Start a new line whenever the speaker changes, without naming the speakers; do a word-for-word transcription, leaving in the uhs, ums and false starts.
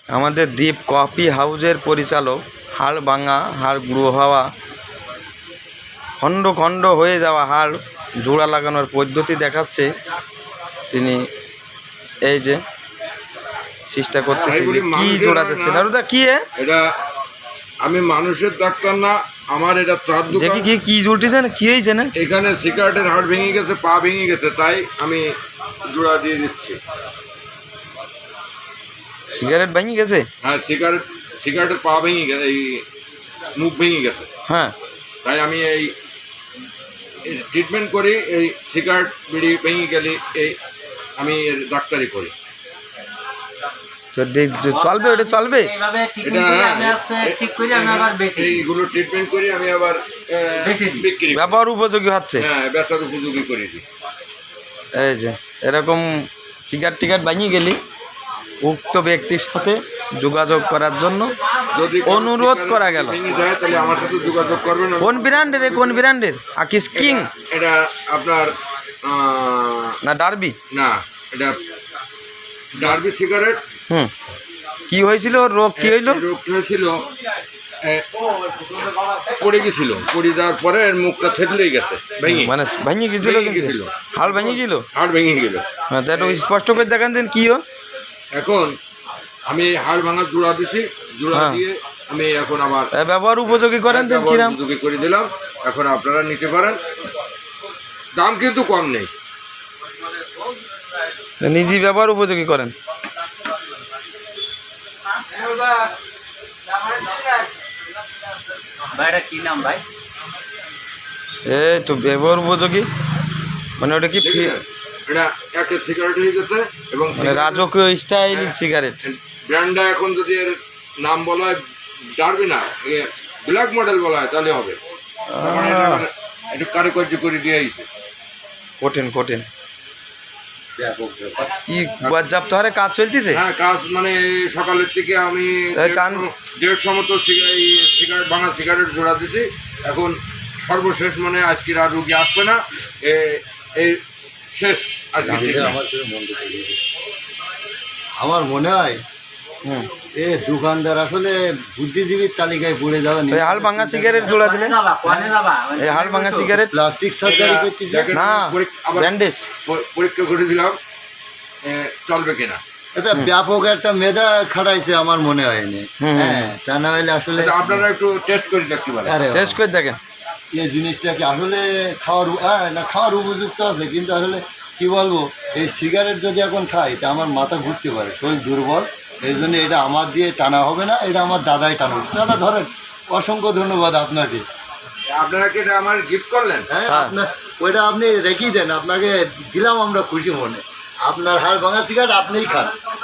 আমাদের দ্বীপ কফি হাউজের পরিচালক হাড় ভাঙা হাড় গুঁড়ো হওয়া খণ্ড খণ্ড হয়ে যাওয়া হাড় জোড়া লাগানোর পদ্ধতি দেখাচ্ছে তিনি। এই যে চেষ্টা করতেছি যে কি জোড়া দিচ্ছে দাদা কি
এটা আমি মানুষের ডাক্তার না, আমার এটা চার
দেখি কি কি জুড়তেছে না কি হয়েছে না
এখানে সিগারেটের হাড় ভেঙে গেছে, পা ভেঙে গেছে, তাই আমি জোড়া দিয়ে দিচ্ছি।
সিগারেট ভেঙে গেছে?
হ্যাঁ, সিগারেট সিগারেটের পা ভেঙে গেছে, এই মুখ ভেঙে গেছে।
হ্যাঁ,
তাই আমি এই ট্রিটমেন্ট করি। এই সিগারেট বিড়ি ভেঙে গেলে এই আমি এর ডাক্তারি করি।
চলবে ওটা চলবে
এইগুলো ট্রিটমেন্ট করি আমি আবার বিক্রি
ব্যবহার উপযোগী হচ্ছে।
হ্যাঁ, ব্যবসার উপযোগী করে দিই।
এই যে এরকম সিগারেট টিকার বানিয়ে গেলি উক্ত ব্যক্তির সাথে যোগাযোগ করার জন্য
যদি
অনুরোধ করা গেল।
তাহলে আমার সাথে যোগাযোগ করবেন।
কোন ব্র্যান্ডের? কোন ব্র্যান্ডের? আকিস কিং?
এটা আপনার
না ডার্বি?
না, এটা ডার্বি সিগারেট।
হুম, কি হয়েছিল রোগ? কি হইল?
রোগ হয়েছিল, পড়ে গেছিল, পড়ে যাওয়ার পরে এর মুখটা থেতলেই গেছে, ভেঙে
মানে ভেঙে গেছিল,
গেছিল,
হাড় ভেঙে গেল,
হাড় ভেঙে গেল।
হ্যাঁ, তো একটু স্পষ্ট করে দেখান দিন কি হয়।
এখন আমি হাড় ভাঙা জোড়া দিছি, জোড়া দিয়ে আমি এখন আবার
ব্যবহার উপযোগী করেন দিন, কিরাম
উপযোগী করে দিলাম। এখন আপনারা নিতে পারেন, দাম কিন্তু কম নেই,
নিজেই ব্যবহার উপযোগী করেন।
কি নাম ভাই?
এই তো ব্যবহার উপযোগী মানে ওটা কি
এটা একটা সিগারেট হয়ে গেছে এবং
রাজকীয় স্টাইল সিগারেট।
ব্র্যান্ডটা এখন যদি এর নাম বলা হয় ডার্বি না, ব্ল্যাক মডেল বলা হয় তাহলে হবে। একটু কারুকার্য করে দিয়ে আইছে।
কঠিন কঠিন কি পর্যাপ্ত হারে কাজ চলতেছে?
হ্যাঁ, কাজ মানে সকালের থেকে আমি দেড়শো মতো সিগারেট ভাঙা সিগারেট জোড়া দিছি। এখন সর্বশেষ মানে আজকের আর রুগী আসবে না, এই শেষ আজকে।
আমার মনে হয় এ দোকানদার আসলে বুদ্ধিজীবীর তালিকায় পড়ে যাবে।
হাড় ভাঙা সিগারেট জোড়া দিলেন, এই হাড় ভাঙা সিগারেট
প্লাস্টিক সার্জারি করতেছে
না, ব্যান্ডেজ
পরীক্ষা করে দিলাম চলবে কিনা।
এটা ব্যাপক একটা মেধা খাটাইছে আমার মনে হয়নি। হ্যাঁ, তা না হলে আসলে
আপনারা একটু টেস্ট করে দেখতে পারেন।
টেস্ট করে দেখেন
এই জিনিসটা কি আসলে খাওয়ার না খাওয়ার উপযুক্ত আছে, কিন্তু আসলে কি বলবো, এই সিগারেট যদি এখন খাই তা আমার মাথা ঘুরতে পারে, শরীর দুর্বল। এই জন্য এটা আমার দিয়ে টানা হবে না, এটা আমার দাদাই টানবে। দাদা ধরেন, অসংখ্য ধন্যবাদ আপনাকে।
আপনারা কি এটা আমার গিফট করলেন?
হ্যাঁ, আপনার ওইটা আপনি রেখেই দেন, আপনাকে দিলাম আমরা খুশি মনে। আপনার হাড় ভাঙা সিগারেট আপনিই খান।